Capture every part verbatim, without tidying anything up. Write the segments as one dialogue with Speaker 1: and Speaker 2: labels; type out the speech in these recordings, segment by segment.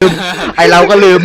Speaker 1: ไอเราก็ลืม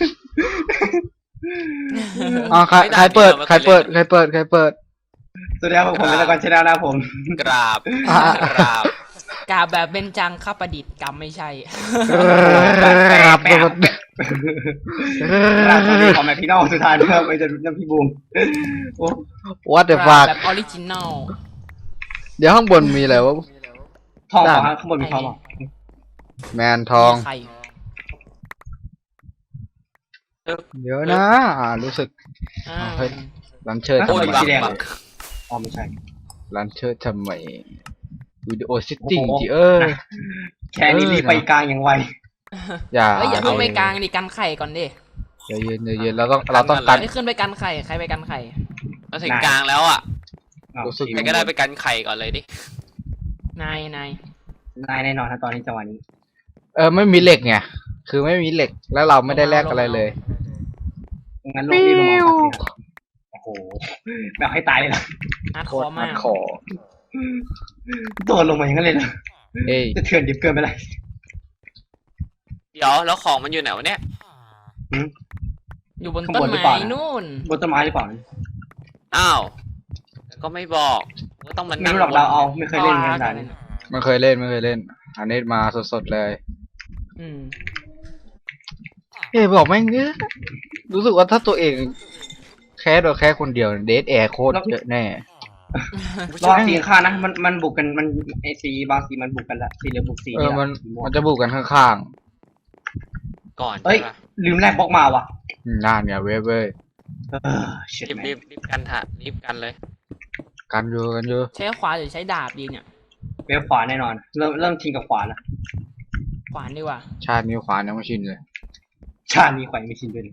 Speaker 1: อ๋อใครใครเปิดใครเปิดใครเปิดใครเปิด
Speaker 2: สวัสดีครับผมเป็นตะกอนชนะนะผม
Speaker 3: กราบกราบ
Speaker 4: กราบแบบเป็นจังข้าประดิษฐ์กรรมไม่ใช่
Speaker 1: ครับ
Speaker 2: ครับสวัสดีของแมคพี่น้องสุดท้ายนะครับไอ้จะน้ำพี่บูม
Speaker 1: วัดเดอะฟัก
Speaker 4: แบบออริจินอล
Speaker 1: เดี๋ยวข้างบนมีอะไรวะ
Speaker 2: ทองข้างบนมีทอง
Speaker 1: แมนทองเดี๋ยวนะรู้สึกเฮ้ยลันเชิดทำไม
Speaker 2: อ๋อไม่ใช่
Speaker 1: ลันเชิดทำไมวิดีโอซิตติ้งที่เออ
Speaker 2: แค่นี้รีบไปกลางอย่างไว
Speaker 1: อย่า
Speaker 4: อย่าขึ้นไปกลางดิกันไข่ก่อนดิ
Speaker 1: เย็นเย็นเราต้องเราต้องกัน
Speaker 4: ขึ้นไปกันไข่ใครไปกันไข่
Speaker 3: เราถึงกลางแล้วอ่ะใครก็ได้ไปกันไข่ก่อนเลยดิ
Speaker 4: นายนาย
Speaker 2: นายแน่นอนนะตอนนี้จังหวะนี้
Speaker 1: เออไม่มีเหล็กไงคือไม่มีเหล็กแล้วเราไม่ได้แลกอะไรเลย
Speaker 2: งั้นลงนี่ลงมาโอ้โหแบบให้ตายเลยนะ
Speaker 4: อัดคอมาก
Speaker 1: คอ
Speaker 2: โดนลงมาอย่างนั้นเลยนะจะเถื่อนดิบเกินไปเลย
Speaker 3: เดี๋ยวแล้วของมันอยู่ไหนวะเนี่ย
Speaker 4: อยู่บนต้นไม้นู่น
Speaker 2: บนต้นไม้หรือเปล่า
Speaker 3: อ้าวก็ไม่บอกก็ต้องมัน
Speaker 2: ไม่รู้หรอกเราเอาไม่เคยเล่นกันน
Speaker 1: ไม่เคยเล่นไม่เคยเล่นอันนี้มาสดๆเลย
Speaker 4: อืม
Speaker 1: เฮ้ยบอกไม่เงี้ยรู้สึกว่าถ้าตัวเองแค่โดยแค่คนเดียวเดทแอร์โคตรเยอะแน่
Speaker 2: รอบสีข้างนะมันมันบุกกันมันไอซีบางสีมันบุกกันละสีเหลืองบุกสี
Speaker 1: เออมันมันจะบุกกันข้าง
Speaker 3: ๆก่อน
Speaker 2: เฮ้ยลืมแลกบล็อกมาว่ะ
Speaker 1: น่าเนี่ยเว้ยเว้ย
Speaker 3: รีบรีบรีบกันถ่ะรีบกันเลย
Speaker 1: กันอยู่กันอยู่
Speaker 4: ใช้ขวาหรือใช้ดาบดีเนี่ย
Speaker 2: เวฟขวาแน่นอนเริ่มเริ่มชิงกับขวาแล้ว
Speaker 4: ขวานดีกว่า
Speaker 1: ชาตินิ้วขวายังไม่ชินเลย
Speaker 2: ชาตินี้ขวาไม่ชินด้วย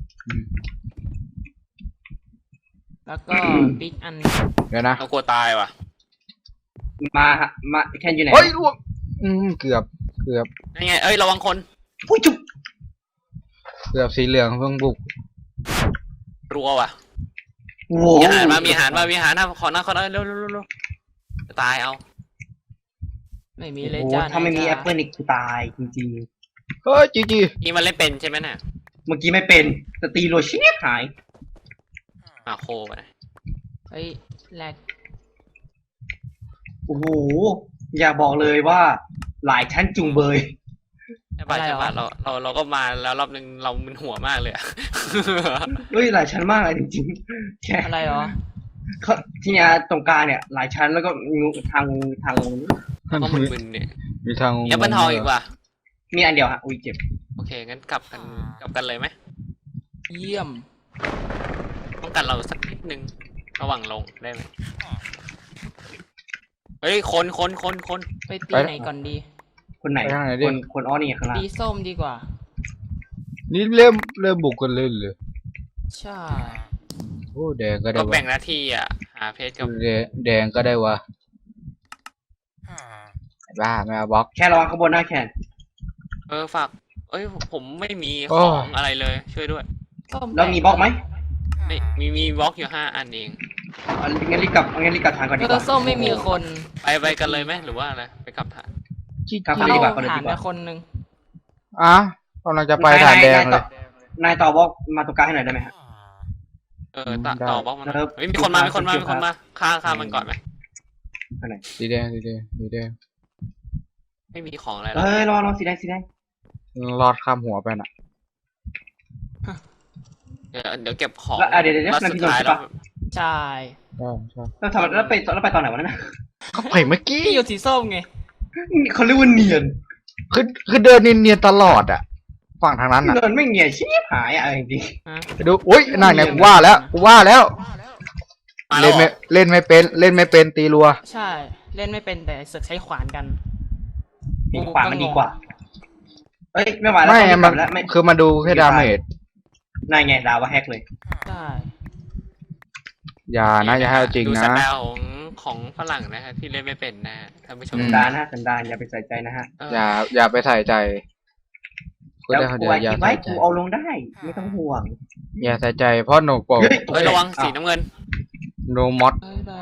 Speaker 4: แล้วก็ปิ๊กอัน
Speaker 1: เดี๋ยวนะ
Speaker 3: เรากลัวตายว่ะ
Speaker 2: มามาแค่อยู่ไหน
Speaker 1: เฮ้ยล่วงอืมเกือบเกือบ
Speaker 3: ยังไงเอ้ยระวังคน
Speaker 2: ผู้จุ๊บ
Speaker 1: เกือบสีเหลืองเพิ่งบุก
Speaker 3: รัวว่ะมีอาหารมามีอาหารมามีอาหารนะขอหน้าขอหน้าเร็วเร็วเร็วจะตายเอา
Speaker 4: ไม่มีเลยจ้า
Speaker 2: ถ้าไม่มีแอปเปิลอีกคือตายจริง
Speaker 1: ๆเฮ้ยจีจี
Speaker 3: นี่มันเล่นเป็นใช่ไหมน่ะ
Speaker 2: เมื่อกี้ไม่เป็นแต่ตีโรชิเนหาย
Speaker 3: อ่ะโคไป
Speaker 4: เฮ้ยแลก
Speaker 2: โอ้โหอย่าบอกเลยว่าหลายชั้นจุงเบย
Speaker 3: ใช่ป่ะใช่ป่ะเราเราเราก็มาแล้วรอบนึงเรามึนหัวมากเลยอะ
Speaker 2: เฮ้ยหลายชั้นมากเลยจริงๆแค่
Speaker 4: อะไรหรอ
Speaker 2: ที่เนี้ยตรงกลางเนี่ยหลายชั้นแล้วก็งูทางทาง
Speaker 3: ก็มึนๆเนี่ย
Speaker 1: มีทาง
Speaker 3: ยังเป็นทองอีกว่ะ
Speaker 2: มีอันเดียวฮะอุ้ยเจ็บ
Speaker 3: โอเคงั้นกลับกันกลับกันเลยไหม
Speaker 4: เยี่ยม
Speaker 3: ต้องกันเราสักนิดนึงระหว่างลงได้ไหมเฮ้ยคนคนคนคน
Speaker 4: ไปตีไหนก่อนดี
Speaker 2: คนไหนคนคนอ้อนี่ข้างล่าง
Speaker 4: ตีส้มดีกว่า
Speaker 1: นี่เริ่มเริ่มบุกกันเล่นเลย
Speaker 4: ใช่
Speaker 1: โอ้แดงก็ได้
Speaker 3: ก็แบ่งหน้าที่อ่ะหาเพชรกับ
Speaker 1: แดงก็ได้วะบ้าไม่เอาบล็อก
Speaker 2: แค่ระวังข้างบนหน้าแขน
Speaker 3: เออฝากเอ้ยผมไม่มีของอะไรเลยช่วยด้วย
Speaker 2: แล้วมีบล็อกไหม
Speaker 3: ไม่มีมีบล็อกอยู่ห้าอันเอง
Speaker 2: งั้นรีบกลับงั้นรีบกลับทางก่อนดีกว่า
Speaker 4: ส้มไม่มีคน
Speaker 3: ไปไปกันเลยไหมหรือว่าอะไรไปกลับฐาน
Speaker 2: กลับดีกว่าคน
Speaker 4: ฐานไปคนนึง
Speaker 1: อ่ะกำลังจะไปฐานแดงเลย
Speaker 2: นายต่อบล็อกมาตรงกลางให้หน่อยได้ไหมฮะ
Speaker 3: เออต่อบล็อกมันมีคนมามีคนมามีคนมาฆ่าฆ่ามันก่อนไหม
Speaker 1: สีแดงสีแดงสีแดง
Speaker 3: ไม่มีของอะไร
Speaker 2: เอ้ยรอรอสีแดงสีแดง
Speaker 1: รอดข้ามหัวไปน่ะ
Speaker 3: เดี๋ยวเดี๋ยวเก็บของ
Speaker 2: เดี๋ยวเดี๋ยวนั่นพี่นนท์ใช่ปะ
Speaker 4: ใช่
Speaker 2: แล้วทำแล้วไปแล้วไปตอนไหนวะนั่นน่ะ
Speaker 1: เขาไปเมื่อกี้
Speaker 4: อยู่สีส้มไง
Speaker 2: เขาเรียกว่าเนียน
Speaker 1: คือคือเดินเนียนๆตลอดอ่ะฝั่งทางนั้นอ่ะ
Speaker 2: เดินไม่เนียนชิบหายอ่ะจริง
Speaker 1: ไปดูอุ้ยนั่นไงกูว่าแล้วกูว่าแล้วเล่นไม่เล่นไม่เป็นเล่นไม่เป็นตีรัว
Speaker 4: ใช่เล่นไม่เป็นแต่สึกใช้ขวานกัน
Speaker 2: มีขวานมันดีกว่าเอ้ยไม่ไหวแล้ว
Speaker 1: ไม่มันคือมาดูแค่ดาเมจ
Speaker 2: นายไงดาวว่าแฮกเลย
Speaker 4: ใช่
Speaker 1: อย่านะอย่าให้จริงนะ
Speaker 3: ดูสไตล์ของของฝรั่งนะฮะที่เล่นไม่เป็นนะท่านผู้ชม
Speaker 2: สันดานนะสันดานอย่าไปใส่ใจนะฮะ
Speaker 1: อย่าอย่าไปใส่ใจ
Speaker 2: แล้วกูไว้กูเอาลงได้ไม่ต้องห่วง
Speaker 1: อย่าใส่ใจเพราะโนโปะ
Speaker 3: เฮ้ยระวังสีน้ำเงิน
Speaker 1: โนมอส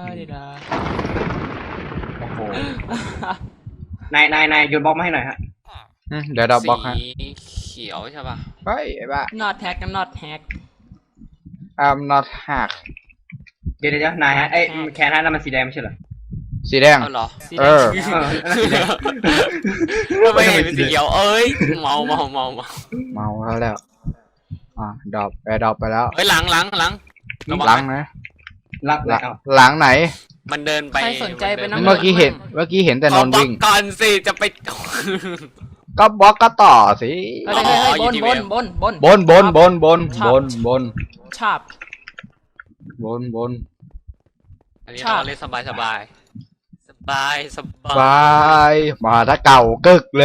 Speaker 2: โอ้โหนายนายนายโยนบล็อกมาให้หน่อยฮะ
Speaker 1: เดี๋ยวดับบล็อกฮะ
Speaker 3: สีขียวใช่ป่ะ
Speaker 1: เฮ้ยไอ้บ้า
Speaker 4: not hack กัน not hack
Speaker 1: I'm not hack
Speaker 2: เดี๋ยวเดี๋ยวนายฮะไอ้แคนฮะนั่นมันสีแดงไม่ใช่เหรอ
Speaker 1: สีแดง
Speaker 3: เอาเหรอ
Speaker 4: สี
Speaker 1: เอ
Speaker 4: แดง
Speaker 1: อ
Speaker 4: สี
Speaker 2: เอ
Speaker 4: แดง
Speaker 2: อนั่นสีแดง
Speaker 3: ทำไมเห็นเป็นสีเขียวเอ้ยเมาเมาเมาเมา
Speaker 1: เมาแล้วแล้วอ่ะดรอปแอร์ดรอปไปแล้ว
Speaker 3: เฮ้ยหลังหลังหลังระวั
Speaker 1: หลัง
Speaker 3: งนะ
Speaker 1: นะ
Speaker 2: รัก
Speaker 1: หลัง
Speaker 2: เอา
Speaker 1: หลังไหน
Speaker 3: มันเดินไป
Speaker 4: ใครสนใจไปนั่ง
Speaker 1: เมื่อกี้เห็นเมื่อกี้เห็นแต่นนท์วิ่ง
Speaker 3: ขอบอกก่อนสิจะไป
Speaker 1: ก็บล็อกก็ต่อสิ
Speaker 4: เฮ้ยเฮ้ยเฮ้ย
Speaker 3: อ๋ออยู่
Speaker 4: บน
Speaker 3: ที่
Speaker 4: บ
Speaker 3: เว
Speaker 4: น
Speaker 3: ล
Speaker 4: บนบน
Speaker 1: บนบนบนบน
Speaker 4: ชอ
Speaker 1: บบ นบน
Speaker 4: ชอบ
Speaker 1: บนบน
Speaker 3: อันนี้
Speaker 4: ชอบ
Speaker 3: เราเล่นสบายสบายสบายสบา
Speaker 1: บาย ยมาถ้าเก่ากึกเลย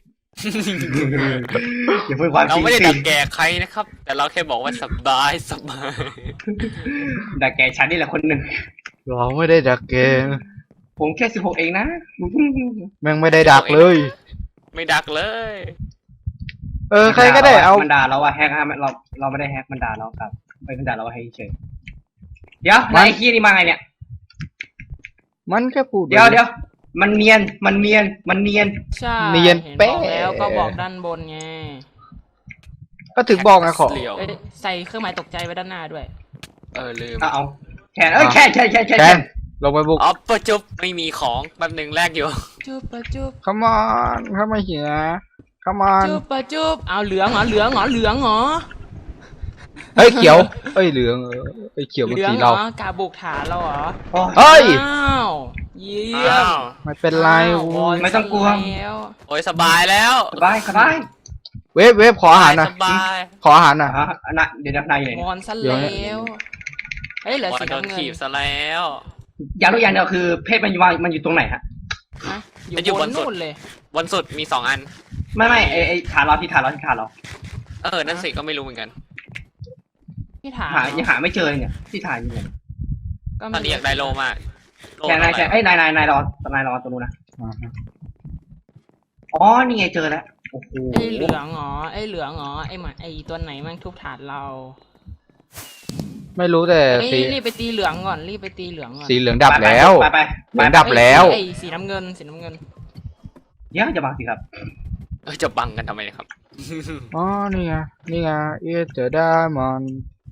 Speaker 2: อย่าพูดความจ
Speaker 3: เรา
Speaker 2: ริง
Speaker 3: ไม่ได้
Speaker 2: สิ
Speaker 3: ดักแก่ใครนะครับ แต่เราแค่บอกว่าสบายสบาย
Speaker 2: ดักแกฉันนี่แหละคนหนึ่ง
Speaker 1: เราไม่ได้ดักเกม
Speaker 2: ผมแค่สิบหกเองนะ
Speaker 1: แม่งไม่ได้ดักเลย
Speaker 3: ไม่ดักเลย
Speaker 1: เออใครก็ได้เอา
Speaker 2: มันด่าเราว่าแฮกฮะเราเราไม่ได้แฮกมันด่าเราครับไม่มันด่าเราว่าให้เฉยเดี๋ยวนายไอ้ขี้ยนี่มาไงเนี่ย
Speaker 1: มันแค่พูด
Speaker 2: เดี๋ยวเดี๋ยวมันเนียนมันเนียนมันเนียน
Speaker 4: ใช่
Speaker 1: เนียน
Speaker 4: ห็
Speaker 1: เป๊ะ
Speaker 4: บอกแล้วก็บอกด้านบนไง
Speaker 1: ก็ถึงบอกไงขอ
Speaker 3: เหลียว
Speaker 4: เอ้ยใส่เครื่องหมายตกใจไว้ด้านหน้าด้วย
Speaker 3: เออลืม
Speaker 2: เอาเอาแคนเอ้ยแคนแคนแคนแคน
Speaker 1: แค
Speaker 2: แคน น
Speaker 1: ลงไปบุก
Speaker 3: อ๋อประจุบไม่มีของแป๊บหนึ่งแรกอยู่
Speaker 4: จุบปะจุบ
Speaker 1: come on เข้ามาเหีย come on
Speaker 4: จุบปะจุบเอาเหลืองเหรอเหลืองเหรอเหลืองเหรอ
Speaker 1: เฮ้ยเขียวเอ้ยเหลืองเออเอ้ยเขียวมัน
Speaker 4: เหลือง
Speaker 1: สี
Speaker 4: เหร
Speaker 1: เรา
Speaker 4: อกาบุกฐานเราเหรอ
Speaker 2: โอ้ย
Speaker 1: เฮ้ย
Speaker 4: อ้าวเยี่ย
Speaker 3: อ้าม ว
Speaker 1: ไม่เป็นไร
Speaker 4: อ้าว
Speaker 1: โว้ย
Speaker 2: ไม่ต้องกลัว
Speaker 4: แล้ว
Speaker 3: โอ้ยสบายแล้ว
Speaker 2: สบายสบาย
Speaker 1: เวฟเวฟขออาหารหน่อย
Speaker 3: สบาย
Speaker 1: ขออาหารหน่อย
Speaker 2: อ่ะนะเดี๋ยวเดี๋ยวนายอยู่ไหน
Speaker 4: ม
Speaker 2: เนี่ย
Speaker 4: อนซะ
Speaker 1: เดี๋ยว
Speaker 4: แล้
Speaker 1: นะ
Speaker 4: วเฮ้ยเหลือ
Speaker 3: วัน
Speaker 4: สี
Speaker 3: โดน
Speaker 4: น้ำเงิน
Speaker 3: ขีบซะแล้ว
Speaker 2: อย่างรู้อย่างเดียวคือเพศมันอยู่วางมันอยู่ตรงไหนฮะ
Speaker 4: นะอ
Speaker 3: จะอยู่
Speaker 4: ยู่บบ น
Speaker 3: นสุด
Speaker 4: นู่นเลย
Speaker 3: วันสุดมีสองอัน
Speaker 2: ไม่ไม่ไอไอฐานเราที่ฐานเราที่ฐานเรา
Speaker 3: เออ นั่นสิก็ไม่รู้เหมือนกัน
Speaker 4: ที่ฐาน
Speaker 2: หายังหาไม่เจอเลยเนี่ยที่ฐานอยู่เนี่ย
Speaker 4: ก็
Speaker 3: ต
Speaker 4: ไม่
Speaker 3: อนนี้อยากได้โลมากโล
Speaker 2: แคนนายแคนไอ้ยนายนายนายรอนายรอตรงนู้นนะ
Speaker 1: อ่าฮะ
Speaker 2: อ๋อนี่ไงเจอแล้วโอ้โห
Speaker 4: ไอ้เหลืองเหรอไอ้เหลืองเหรอไอ้หมาไอ้ตัวไหนมันทุบฐานเรา
Speaker 1: ไม่รู้แต่
Speaker 4: เอ้ย
Speaker 1: สี
Speaker 4: รีบไปตีเหลืองก่อนรีบไปตีเหลืองก่อน
Speaker 1: สีเหลืองดับแล้ว
Speaker 2: ไปไป
Speaker 1: เห
Speaker 2: ไป
Speaker 1: ลือง
Speaker 2: ไป
Speaker 1: ดับแล้ว
Speaker 4: ไอ้สีน้ำเงินสีน้ำเงิน
Speaker 2: เดี๋ยวจะบังสิครับ
Speaker 3: เออจะบังกันทำไมนะครับ
Speaker 1: อ๋อนี่ไงนี่ไง it's the diamond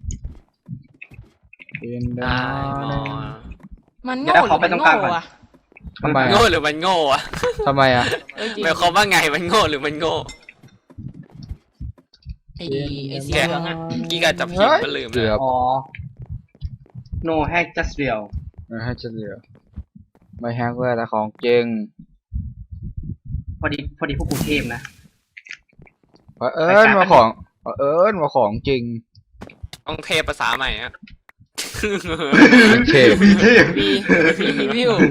Speaker 1: in the
Speaker 3: ได้มอ
Speaker 1: morning
Speaker 4: มันโง่หรือมันโง่อะ
Speaker 1: ทำไม
Speaker 3: โง่
Speaker 1: อ่ะ
Speaker 3: หรือมันโง่อะ
Speaker 1: ทำไมอ่ะ
Speaker 4: เอ้ยจริง
Speaker 3: หมายความว่าไงมันโง่หรือมันโง่
Speaker 4: ไอ้ไอ้สี
Speaker 3: แก
Speaker 4: เหลืองอะ
Speaker 3: กี้การจับผิดก็ลืม
Speaker 1: เกือบ
Speaker 2: อ๋อ no hack just real
Speaker 1: ไม่ให้จะเหลือไม่แฮกเว้ยแต่ของจริง
Speaker 2: พอดีพอดีพวกกูเทพนะ
Speaker 1: เผอิญมาของเผอิญมาของจริง
Speaker 3: ต้องเทภาษาใหม่อะ
Speaker 1: เป็นเทพ
Speaker 2: มีเทพ
Speaker 4: วีวีวิว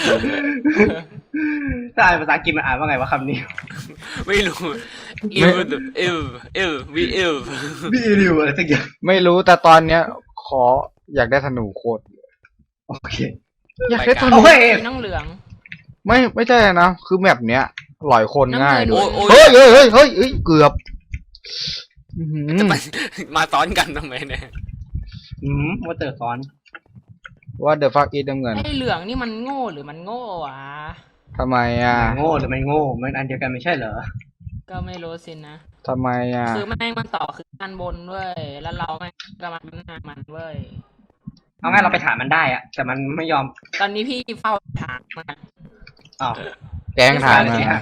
Speaker 2: ถ้าอ่านภาษาอังกฤษมันอ่านว่าไงวะคำนี้
Speaker 3: ไม่รู้อิวอิวอิววีอิว
Speaker 2: บีริวอะไรสักอย่าง
Speaker 1: ไม่รู้แต่ตอนเนี้ย ขออยากได้ธนูโคตร
Speaker 2: โอเค
Speaker 1: อยากได้ธนู
Speaker 2: โอ้ย
Speaker 4: สีน้องเหลือง
Speaker 1: ไม่ไม่ใช่นะคือแมปเนี้ยหลอยคนง่าย
Speaker 4: น้ำเงิน
Speaker 1: ด้ว
Speaker 3: โอ้
Speaker 1: ย
Speaker 3: ยโอ้ย
Speaker 1: เฮ้ยเฮ้ยเฮ้ยเฮ้ยเฮ้ยเกือบอื้อหือ
Speaker 3: จะมามาซ้อนกันทำไมเนี่ย
Speaker 2: อืมว่าเตอร์ซ้อน
Speaker 1: ว่าเดอะฟักอีดน้ำเงิน
Speaker 4: ไอ้เหลืองนี่มันโง่หรือมันโง่วะ
Speaker 1: ทำไมอ่ะ
Speaker 2: โง่หรือไม่โง่มันอันเดียวกันไม่ใช่เหรอ
Speaker 4: ก็ไม่รู้สินะ
Speaker 1: ทำไมอ่ะ
Speaker 4: คือแม่งมันต่อคือด้านบนเว้ยแล้วเราแม่งก็มาหน้ามันเว้ย
Speaker 2: เอางั้นเราไปถามมันได้อะแต่มันไม่ยอม
Speaker 4: ตอนนี้พี่เฝ้าถามมัน
Speaker 2: อ้าว
Speaker 1: แกล้งถาม
Speaker 2: ไม่
Speaker 1: มา
Speaker 2: ใช่ฮะ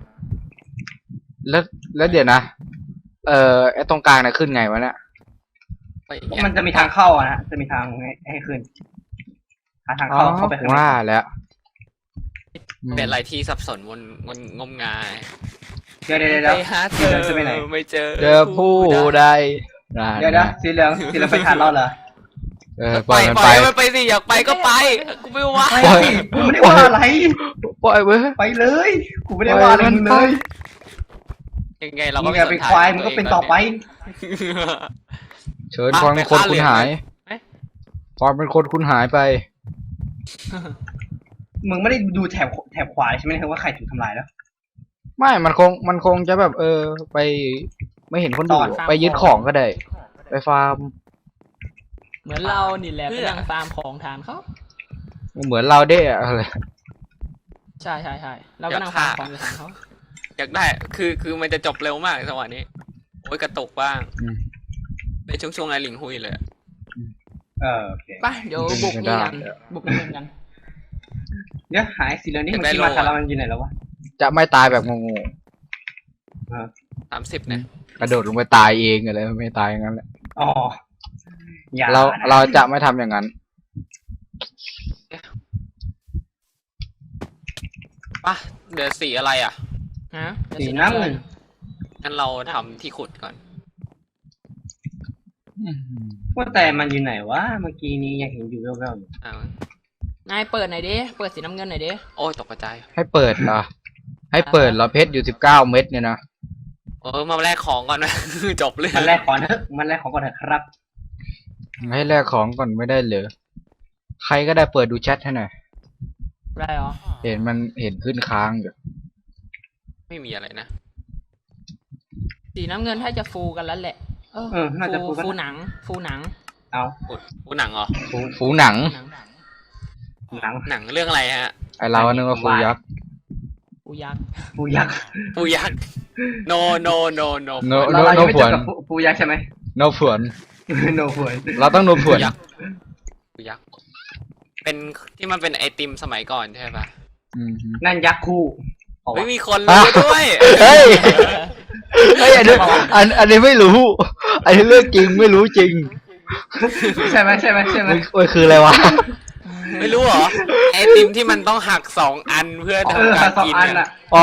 Speaker 1: แล้วแล้วเดี๋ยวนะ เอ่อไอ้ตรงกลางน่ะขึ้นไงวะเนี่ย
Speaker 3: ไปอีกอย่าง
Speaker 2: มันจะมีทางเข้าอะนะจะมีทางให้ให้ขึ้นหาทาง
Speaker 1: อ๋อ
Speaker 2: เข้าเข้าไปข้างใน
Speaker 1: ว่าแล้วอืม
Speaker 3: เป็นอะไรที่สับสนวนวนงมงาย
Speaker 2: เดี๋ยวเดี๋ยวเดี๋ยว
Speaker 3: ไปหาเธอ
Speaker 2: จะไปไหน
Speaker 3: ไม่เจอ
Speaker 1: เจอผู้ใดได้
Speaker 2: เดี๋ยวเดี๋ยวสีเหลืองสีเหลืองไปทานเราเหรอ
Speaker 1: เออป
Speaker 3: ไป
Speaker 1: ล่อยมัน
Speaker 3: ไป
Speaker 1: ไป
Speaker 3: มันไปสิอยากไปก็ไปกูไม่ว่า
Speaker 2: ไปสิกูไม่ได้ว่าอะไร
Speaker 1: ปล่อยเว้ย
Speaker 2: ไปเลยกูไม่ได้ว่าอะไรมึงเลย
Speaker 3: ยังไงเรา
Speaker 2: มึ
Speaker 3: ก็
Speaker 2: ง
Speaker 3: ไม่
Speaker 2: อย่า
Speaker 3: ส
Speaker 2: ไป
Speaker 3: นใจ
Speaker 2: ควายมึงก็เป็นต่อไป
Speaker 1: เชิญความเป็นคนคุณหาย
Speaker 3: เอ๊ะ
Speaker 1: ความเป็นคนคุณหายไป
Speaker 2: มึงไม่ได้ดูแถบแถบขวาใช่ไหมครับว่าใครถูกทำลายแล้ว
Speaker 1: ไม่มันคงมันคงจะแบบ เออ ไป ไม่เห็นคนดู
Speaker 2: ตอน
Speaker 1: ไปยึดของก็ได้ ไปฟาร์ม
Speaker 4: เหมือนเรานี่แหละไปนั่งตามของฐานเขา
Speaker 1: เหมือนเราได้อะไร
Speaker 4: ใช่ใช่ใช่เราก็นั่งตามของอยู่ฐานเขา
Speaker 3: อยากได้คือคือมันจะจบเร็วมากจังหวะนี้โอ้ยกระตุกบ้าง
Speaker 1: อืม
Speaker 3: เป็นช่วงๆไอ้ลิงหุยเลยอะ
Speaker 2: เออโอเค
Speaker 4: ไปเดี๋ยวบุกนี่กันบุกนี่กัน
Speaker 2: เดี๋ยวหายสีเหลืองนี่มันกินมาคารามันอยู่ไหนแล้ววะ
Speaker 1: จะไม่ตายแบบงง
Speaker 3: สามสิบเนี่ย
Speaker 1: ๆกระโดดลงไปตายเองอะไรไม่ตายอย่างนั้นแหละ
Speaker 2: อ๋ออย่า
Speaker 1: เรา
Speaker 2: นะ
Speaker 1: เราจะไม่ทำอย่างนั้น
Speaker 3: ปะเหลือสีอะไรอ่ะ
Speaker 4: ฮะ
Speaker 2: สีน้ำเงิน
Speaker 3: งั้นเราทำที่ขุดก่อน
Speaker 2: ว่าแต่มันอยู่ไหนวะเมื่อกี้นี้ยังเห็นอยู่แว่วๆอยู่
Speaker 3: อ้าวน
Speaker 4: ายเปิดหน่อยดิเปิดสีน้ำเงินหน่อยดิ
Speaker 3: โอ้ยตกกระจาย
Speaker 1: ให้เปิดเหรอให้เปิดเหรอเพชรอยู่สิบเก้าเม็ดเนี่ยนะ
Speaker 3: เออมาแลกของก่อนไหม จบเลย
Speaker 2: มันแรกก่อนเถอะมันแรกของก่อนเถอะครับ
Speaker 1: ให้แลกของก่อนไม่ได้เหรอใครก็ได้เปิดดูแชทให้หน่อย
Speaker 4: ได้เหรอ
Speaker 1: เห็นมันเห็นขึ้นค้างอยู่
Speaker 3: ไม่มีอะไรนะ
Speaker 4: สีน้ำเงินถ้าจะฟูกันแล้วแหละเออ
Speaker 2: เออน่าจะ
Speaker 4: ฟู
Speaker 2: ฟูกัน
Speaker 4: ฟูหนัง ฟูหนัง
Speaker 2: เอา
Speaker 3: อุดอุดหนังเหรอ
Speaker 1: ฟูฟูหนัง
Speaker 4: หนัง
Speaker 2: หนัง
Speaker 3: หนังเรื่องอะไรฮะ
Speaker 1: ไอเรานึกว่าฟูยักษ์
Speaker 4: ฟูยักษ์
Speaker 2: ปูยักษ์
Speaker 3: ปูยักษ์ no no no no
Speaker 1: โน
Speaker 2: เรา
Speaker 1: โน
Speaker 2: เรา
Speaker 1: โน
Speaker 2: ยังไม่
Speaker 1: ผ
Speaker 2: เจ
Speaker 1: ว
Speaker 2: อน กับปูปูยักษ์ใช่ไหม
Speaker 1: โนผวน
Speaker 2: โนผวน
Speaker 1: เราต้องโนผวน
Speaker 3: ยักษ์ ปูยักษ์ เป็นที่มันเป็นไอติมสมัยก่อนใช่ปะ
Speaker 1: อืมฮึ
Speaker 2: นั่นยักษ์คู่เอา
Speaker 3: ไม่
Speaker 2: วะ
Speaker 3: มีคนรู้ด้วย
Speaker 1: เฮ้ยเฮ้ยอันนี้อันอันนี้ไม่รู้ อันนี้เรื่องจริงไม่รู้จริง
Speaker 2: ใช่ไหมใช่ไหมใช่ไหม
Speaker 1: มันมันคืออะไรวะ
Speaker 3: ไม่รู้เหรอ ไอติมที่มันต้องหักสองอันเพื่อ
Speaker 2: เออ
Speaker 3: ทำการ
Speaker 2: สอง
Speaker 3: กิน
Speaker 2: อัน
Speaker 3: อะ
Speaker 2: อ่ะ
Speaker 1: อ๋อ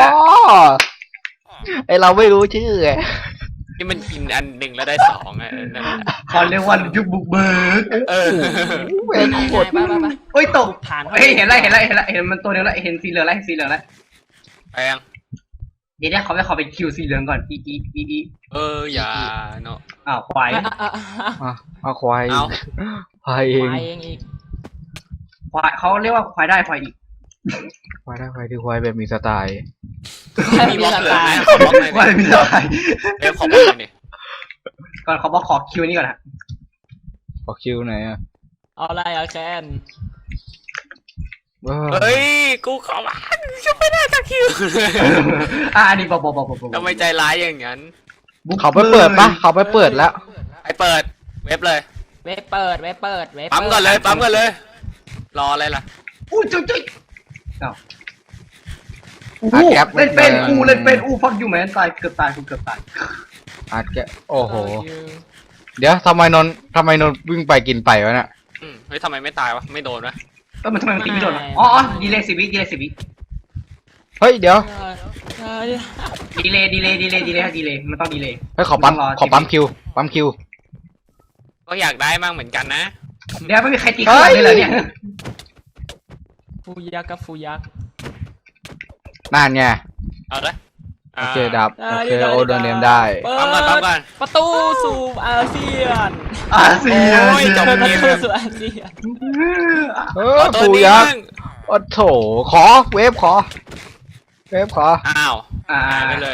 Speaker 1: ไอเราไม่รู้ชื่อไง
Speaker 3: ที่มันกินอันหนึ่งแล้วได้สองอะนั่นแหละ
Speaker 2: เขาเรียกว่ายุคบุกเบิก
Speaker 3: เออ
Speaker 1: เป็น
Speaker 4: นาย
Speaker 1: กด
Speaker 4: นายไปไปไป
Speaker 2: เอ้ยตก
Speaker 4: ฐาน
Speaker 2: เฮ้ยเห็นแล้วเห็นแล้วเห็นแล้วเห็นมันตัวเดียวแล้วเห็นสีเหลืองแล้วเห็นสีเหลืองแล้ว
Speaker 3: ไปยัง
Speaker 2: เดี๋ยวเดี๋ยวเขาไปขอไปคิวสีเหลืองก่อนอีอีอีอี
Speaker 3: เอออย่าเนาะ
Speaker 2: อ้าวควาย
Speaker 4: อ่ะอ่ะอ่ะอ่ะ
Speaker 1: อ่ะเอาควาย
Speaker 3: เอา
Speaker 1: ควายเอง
Speaker 4: ไปเองอีก
Speaker 2: ควายเขาเรียกว่าควายได้ควายอีก
Speaker 1: ควายได้ควายคือควายแบบมีสไตล์
Speaker 3: มีบล็อกเหลือไหมขอ
Speaker 2: คว
Speaker 3: บล็อกหน่อย
Speaker 2: าย
Speaker 3: ดิ
Speaker 2: ไม่ได้
Speaker 3: เว็บขอบล็อกหน่อยดิ
Speaker 2: ก่อนเขาบอกขอคิวนี่ก่อนนะ
Speaker 1: ขอคิวไหนอยอ่ะ
Speaker 4: เอาอะไรเอาแคน
Speaker 1: เออ
Speaker 3: เฮ้ย กูขอมาจะไม่ได้สักคิว
Speaker 2: อ่าอันนี้บอกบอกบอกบอกบอก
Speaker 3: ทำไมใจร้ายอย่างนั้น
Speaker 1: เขาไปเปิดปะเขาไปเปิดแล้ว
Speaker 3: ไปเปิดเว็บเลย
Speaker 4: เว็บเปิดเว็บเปิดเว็บ
Speaker 3: ปั๊มก่อนเลยปั๊มก่อนเลย รออะไรล่ะ
Speaker 2: อู้จุ๊ยจุ๊ยอ้าวอู้เล่นเป็นอู้เล่นเป็นอู้ฟักยูแมนตายเกือบตายกูเกือบตาย
Speaker 1: อาจจะโอ้โห
Speaker 4: เออ
Speaker 1: เดี๋ยวทำไมนนท์ทำไมนนท์วิ่งไปกินไปวะเนี่ย
Speaker 3: อืมเฮ้ยทำไมไม่ตายวะ ไม่โดนวะ
Speaker 2: เออมันทำไมมันตีไม่โดนวะอ๋ออ๋อดีเลยสิวิดีเลยสิวิ
Speaker 1: เฮ้ยเดี๋ยว
Speaker 4: เออเออ
Speaker 2: ดีเลยดีเลยดีเลยดีเลยดีเลยมันต้องดีเลย
Speaker 1: เฮ้ยขอปั๊ม
Speaker 2: ต้องรอ
Speaker 1: ขอปั๊มคิวปั๊มคิว
Speaker 3: ก็อยากได้มากเหมือนกันนะ
Speaker 2: เดี๋ยวไม่มีใครตีข้างหลังเลยเหรอเนี่ย
Speaker 4: ฟูยักษ์กับฟูยักษ์
Speaker 1: นั่นไง
Speaker 3: เอาละ
Speaker 1: โอเคดับ
Speaker 4: ได้
Speaker 1: โอเค
Speaker 4: ได้
Speaker 1: โอโดนเนมได้
Speaker 4: เปิ
Speaker 3: ปั๊มก่อนปั๊มก่อน
Speaker 4: ประตูสู่อาเซียน
Speaker 2: อาเซียน
Speaker 3: โอ้ยจบ
Speaker 4: ประ
Speaker 3: เกม
Speaker 4: ตูสู่อาเซียน
Speaker 1: เออ
Speaker 3: เอาตัว
Speaker 1: ปู
Speaker 3: นี้
Speaker 1: ยักษ์
Speaker 3: มั่ง
Speaker 1: โอ้โถขอเวฟขอ เวฟขอ
Speaker 3: อ้าว
Speaker 2: อ่า
Speaker 3: หายไปเลย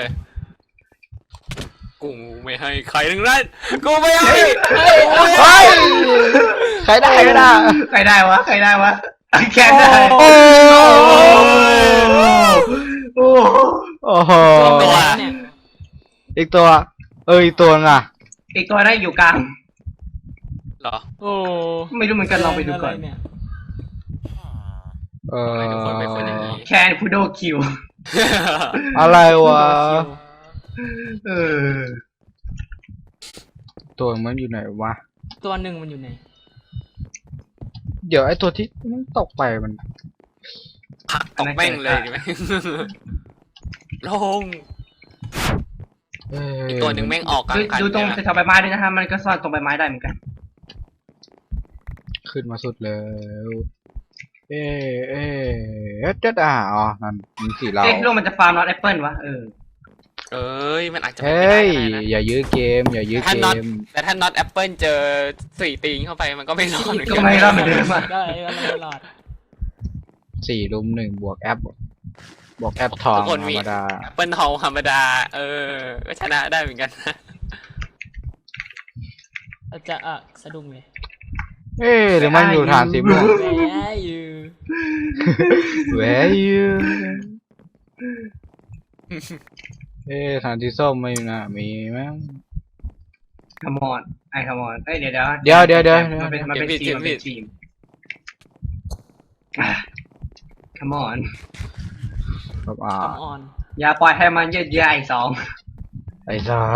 Speaker 3: กูไม่ให้ใครทั้งนั้น กูไม่ให้
Speaker 1: เฮ้ยใครได้ก็ได้
Speaker 2: ใครได้วะใครได้วะแค่ได้
Speaker 1: โอ้
Speaker 2: โอ้
Speaker 1: โอ้โห
Speaker 3: ตัว
Speaker 4: เนี่ย
Speaker 1: อีกตัว เอออีกตัวนึงอ่ะ
Speaker 2: อีกตัวได้อยู่กลาง
Speaker 3: เหรอ
Speaker 4: โอ้
Speaker 2: ไม่รู้เหมือนกันลองไปดูก่อน
Speaker 4: ะรเย
Speaker 1: เออ
Speaker 3: ทำไมทุกคนเป็นคนอย่างนี้
Speaker 2: แคนพูโดคิว
Speaker 1: อะไรวะ
Speaker 2: เออ
Speaker 1: ตัวมันอยู่ไหนวะ
Speaker 4: ตัวหนึ่งมันอยู่ไหน
Speaker 1: เดี๋ยวไอ้ตัวที่มันตกไปมัน
Speaker 3: ผักตกแม่งเลยดีไหม ลง
Speaker 1: เอ้ย
Speaker 3: อีกตัวหนึ่งแม่งออกกลา
Speaker 2: ดู
Speaker 3: งคัน
Speaker 2: ดูตรง
Speaker 3: เลยนะ
Speaker 2: แถวใบไม้ด้วยนะฮะมันก็ซ่อนตรงใบไม้ได้เหมือนกัน
Speaker 1: ขึ้นมาสุดแล้วเอ๊ะเอ๊ะเอ๊ะจะอ่ะอ๋อนั่นมันสีเรา
Speaker 2: เอ๊ะโลกมันจะฟาร์มนอตแอปเปิลวะเออ
Speaker 3: เอ้ย มันอาจจะเป็น
Speaker 1: เฮ้
Speaker 3: ไปได้
Speaker 1: ย
Speaker 3: ก็ได้นะ
Speaker 1: อย่ายื้อเกม อย่ายื้อ
Speaker 3: ถ้า
Speaker 1: เก
Speaker 3: น็อต
Speaker 1: ม
Speaker 3: แต่ถ้าน็อตแอปเปิลเจอสี่ตีนเข้าไปมันก็ไม่รอดเหมือน
Speaker 2: ก็
Speaker 3: กัน
Speaker 2: ไม่รอดเหมือนเดิมอะ
Speaker 4: ได้ก็ไม่รอด
Speaker 1: สี่ลุมหนึ่งบวกแอป บวกแอปทองธรรมดา
Speaker 3: แอปเปิลทองธรรมดา เออ ก็ชนะได้เหมือนกันนะ
Speaker 4: อาจจะอ่ะสะดุ้งเลย
Speaker 1: เอ๊ะหรือมันอยู่ฐานสีม่วง
Speaker 4: แหมอยู่
Speaker 1: Where you เอ๊ะฐานที่ส้มไม่น่ามีมั้ง
Speaker 2: ขมอนไอ้ขมอนเอ้ยเดี๋ยวเดี๋ยว
Speaker 1: เดี๋ยวเดี๋ยวเดี๋ยว
Speaker 2: มันเป็นมันเป็นทีมมันเป็นทีมขมอน
Speaker 1: ครับอ่า
Speaker 4: คอมออน
Speaker 2: อย่าปล่อยให้มันยืดเยื้อไอ้สอง
Speaker 1: ไอ้สอง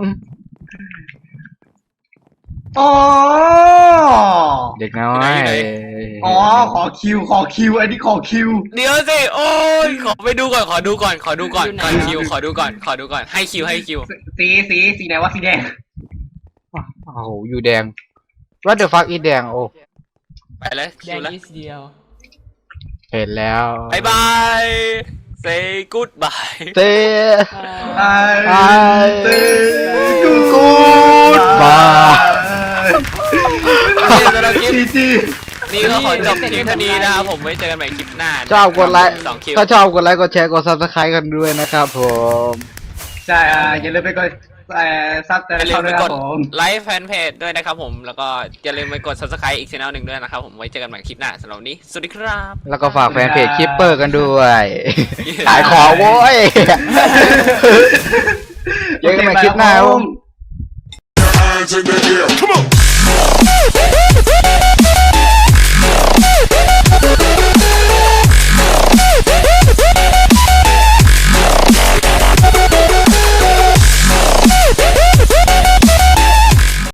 Speaker 2: อ๋อ
Speaker 1: เด็กน้อย
Speaker 2: อ๋อขอคิวขอคิวอันนี้ขอคิว
Speaker 3: เดี๋ยวสิโอ้ยขอไปดูก่อนขอดูก่อนขอดูก่อนขอคิวขอดูก่อนขอดูก่อนให้คิวให้คิว
Speaker 2: สีสีสีไหนวะสีแดง
Speaker 1: โอ้โหอยู่แดง What the fuck is แดงโอ้
Speaker 3: ไปเลย
Speaker 4: แด
Speaker 3: คิว
Speaker 4: ง
Speaker 3: แล้ว
Speaker 4: นิดเดียว
Speaker 1: เห็นแล้ว
Speaker 3: บายบาย say goodbye
Speaker 1: เต้
Speaker 2: ไอ้
Speaker 1: ไอ้
Speaker 2: เต้
Speaker 1: กูดบาย
Speaker 3: นี่สำหรับคลิป
Speaker 2: จีจี
Speaker 3: นี่ก็ขอจบคลิปเท่านี้นะครับผมไว้เจอกันใหม่คลิปหน้า
Speaker 1: ชอบกดไลค์
Speaker 3: สองคิว
Speaker 1: ถ้าชอบกดไลค์กดแชร์กด Subscribe กันด้วยนะครับผม
Speaker 2: ใช่อ่าอย่าลืมไปกดเอ่อซับแต่
Speaker 3: อย่าลื
Speaker 2: เขา
Speaker 3: ม
Speaker 2: ด้
Speaker 3: ไป
Speaker 2: วยค
Speaker 3: ก
Speaker 2: รั
Speaker 3: ด
Speaker 2: บผม
Speaker 3: ไลค์แฟนเพจด้วยนะครับผมแล้วก็อย่าลืมไปกด subscribe อีกช่องหนึ่งด้วยนะครับผมไว้เจอกันใหม่คลิปหน้าสำหรับวันนี้สวัสดีครับ
Speaker 1: แล้วก็ฝากแฟนเพจคิปเปอร์กันด้วยขายของโว้ยเจอกันใหม่คลิปหน้าครับผม
Speaker 5: Hands in the air. Come on.